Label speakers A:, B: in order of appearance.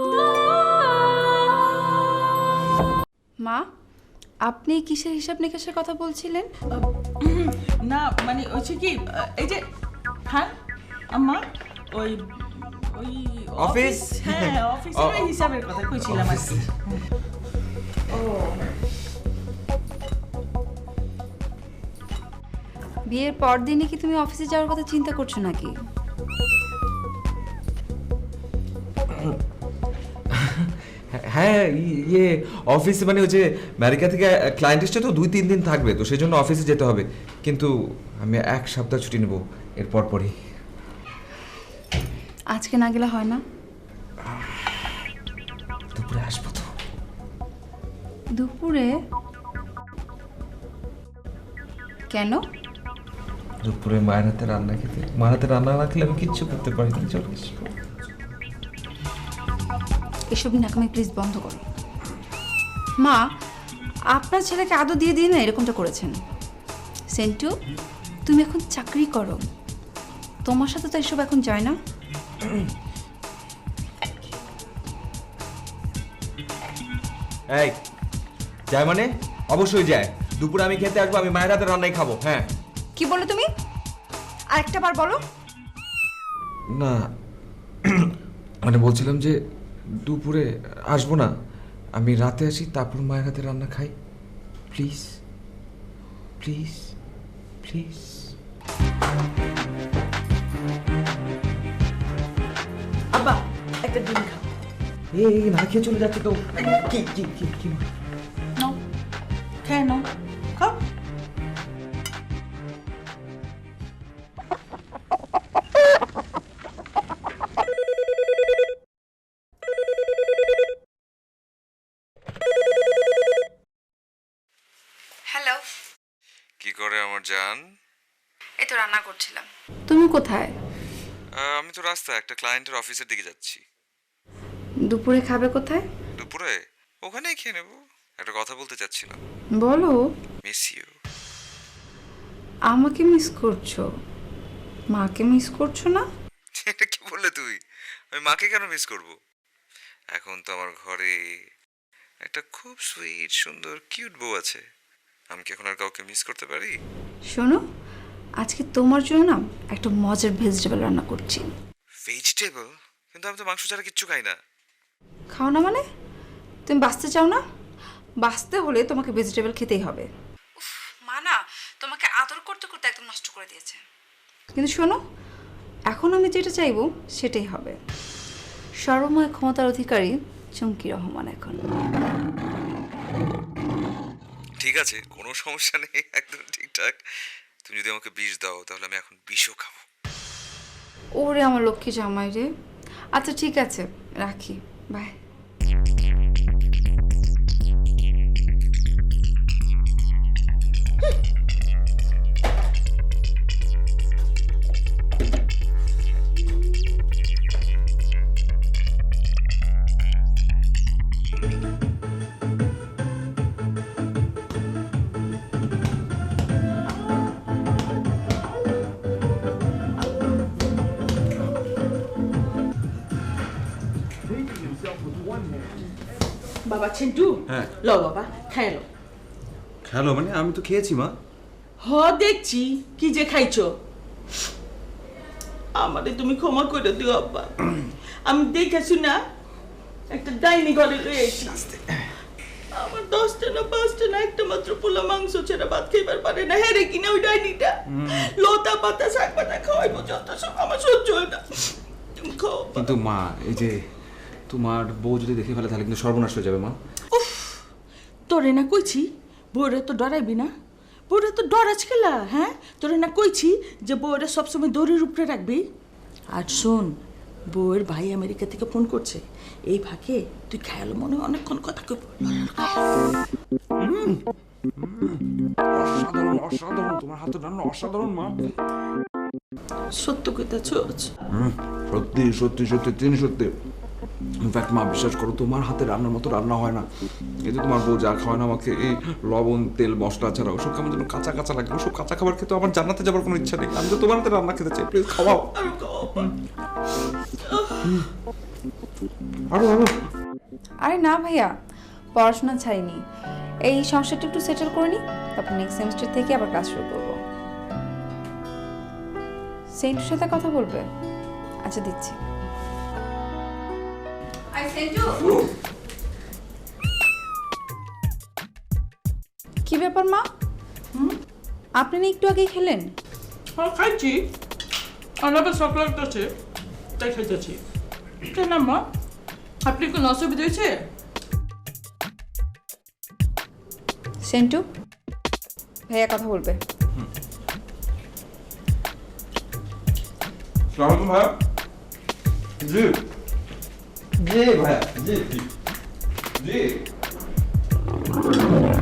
A: মা, আপনি কিসের হিসাব নিকাশের কথা বলছিলেন?
B: না মানে হচ্ছে কি এই যে হ্যাঁ আম্মা ওই ওই
C: অফিস?
B: হ্যাঁ অফিসের ওই হিসাবের কথা কইছিলাম আর কি।
A: বিয়ের পর দিনই কি তুমি অফিসে যাওয়ার কথা চিন্তা করছো নাকি?
C: হ্যাঁ ইয়ে অফিসে মানে ওই যে আমেরিকা থেকে ক্লায়েন্ট এসছে তো 2-3 দিন থাকবে, তো সেই জন্য অফিসে যেতে হবে। কিন্তু আমি 1 সপ্তাহ ছুটি নেব এরপর পরই।
A: আজকে না গেলে হয় না?
C: দুপুরে আসবো তো।
A: দুপুরে? কেন?
C: দুপুরে মায়ের হাতে রান্না খেতে। মায়ের হাতে রান্না না খেলে আমি কিচ্ছু করতে পারি না। চলে আসবো।
A: এসব নাকামি প্লিজ বন্ধ করো। মা, আপনার ছেলেকে আদৌ দিয়ে দিয়ে না এরকমটা করেছেন। সেন্টু, তুমি এখন চাকরি করো, তোমার সাথে তো এসব এখন যায় না।
C: এই যায় মানে? অবশ্যই যায়। দুপুরে আমি খেতে আসবো, আমি মায়ের হাতে রান্নাই খাবো। হ্যাঁ।
A: কি বলো তুমি? আরেকটা বার বলো।
C: না মানে বলছিলাম যে দুপুরে আসবো না, আমি রাতে আসি, তারপর মায়ের হাতে রান্না খাই। Please please please.
B: আব্বা একটা ডিম খাও।
C: এই না খেয়ে চলে যাচ্ছে তো। কি কি কি কি
B: নাও খেয়ে নাও খাও।
A: হ্যালো,
C: কি করে আমার জান?
A: এই তো রান্না করছিলাম। তুমি কোথায়?
C: আমি তো রাস্তায় একটা ক্লায়েন্টের অফিসের দিকে যাচ্ছি।
A: দুপুরে খাবে কোথায়?
C: দুপুরে ওখানেই খেয়ে নেবো। একটা কথা বলতে চাচ্ছিলাম।
A: বলো।
C: Miss you.
A: আমাকে মিস করছো? মাকে মিস করছো না?
C: এটা কি বললে তুই? আমি মাকে কেন মিস করব? এখন তো আমার ঘরে একটা খুব সুইট সুন্দর কিউট বউ আছে। আমি কি এখন আর কাউকে মিস করতে পারি?
A: শোনো, আজকে তোমার জন্য না একটা মজার ভেজিটেবল রান্না করছি।
C: ভেজিটেবল? কিন্তু আমি তো মাংস ছাড়া কিচ্ছু খাই না।
A: খাও না মানে? তুমি বাঁচতে চাও না? বাঁচতে হলে তোমাকে ভেজিটেবল খেতেই হবে। মা না তোমাকে আদর করতে করতে একদম নষ্ট করে দিয়েছে। কিন্তু শোনো, এখন আমি যেটা চাইবো সেটাই হবে। সর্বময় ক্ষমতার অধিকারী চুমকি রহমান এখন।
C: ঠিক আছে, কোনো সমস্যা নেই, একদম ঠিকঠাক। তুমি যদি আমাকে বিষ দাও তাহলে আমি এখন বিষও খাবো।
A: ওরে আমার লক্ষ্মী জামাই রে। আচ্ছা ঠিক আছে, রাখি, বাই।
B: বাবা চিন্টু
D: হ্যাঁ।
B: লও বাবা খেয়ে লো।
D: খেলো মানে? আমি তো খেয়েছি মা।
B: হ দেখছি কি যে খাইছো। আমারে তুমি ক্ষমা করে দিও আব্বা। আমি দেখেছি না একটা ডাইনি ঘরে রয়েছি। আমার 10টা না 5টা না একটা মাত্র পোলা মাংস ছাড়া ভাত খাইবার পারে না। হ্যাঁ রে কিনা ওই ডাইনিটা লতা পাতা শাক পাতা খাওয়াইবো যত সব আমার সহ্য হয় না। তুমি খাও আব্বা।
D: কিন্তু মা, এই যে তোমার বউ যদি দেখে ফেলে তাহলে কিন্তু সর্বনাশ হয়ে যাবে মা।
B: উফ, তোরে না কইছি বউরে তো ডরাইবি না। বউরে তো ডরাজ খেলা। হ্যাঁ তোরে না কইছি যে বউরে সবসময় দড়ির উপরে রাখবি। আর শোন, বউয়ের ভাই আমেরিকা থেকে ফোন করছে, এই ফাঁকে তুই খেয়াল মনে হয় অনেকক্ষণ কথা কইব।
D: অসাধারণ অসাধারণ, তোমার হাতে রান্না অসাধারণ মা।
B: সত্য কইতাছ?
D: সত্যি সত্যি সত্যি তিনি সত্যি। ইনফ্যাক্ট মা বিশ্বাস করো, তোমার হাতে রান্নার মতো রান্না হয় না। এই যে তোমার বউ যা খাওয়ায় না আমাকে, এই লবণ তেল মশলা ছাড়া ওসব কেমন যেন কাঁচা কাঁচা লাগে। ওসব কাঁচা খাবার খেতে আমার জান্নাতে যাবার কোনো ইচ্ছা নেই। আমি তো তোমার হাতে রান্না খেতে চাই, প্লিজ খাওয়াও। আরো আরো
A: আরে না ভাইয়া, পড়াশোনা ছাড়িনি, এই সমস্যাটা একটু সেটেল করে নিই, তারপর নেক্সট সেমিস্টার থেকে আবার ক্লাস শুরু করবো। সেন্টুর সাথে কথা বলবে? আচ্ছা দিচ্ছি। কি ব্যাপার মা, আপনি না একটু আগেই খেলেন?
B: হ্যাঁ খাইছি, আমার আবার শখ লাগতেছে তাই খাইতেছি। কেন মা, আপনি কোনো অসুবিধা হয়েছে?
A: সেন্টু, ভাইয়া কথা বলবে।
D: সালাম ভাইয়া। জি জি ভাইয়া, জি জি জি।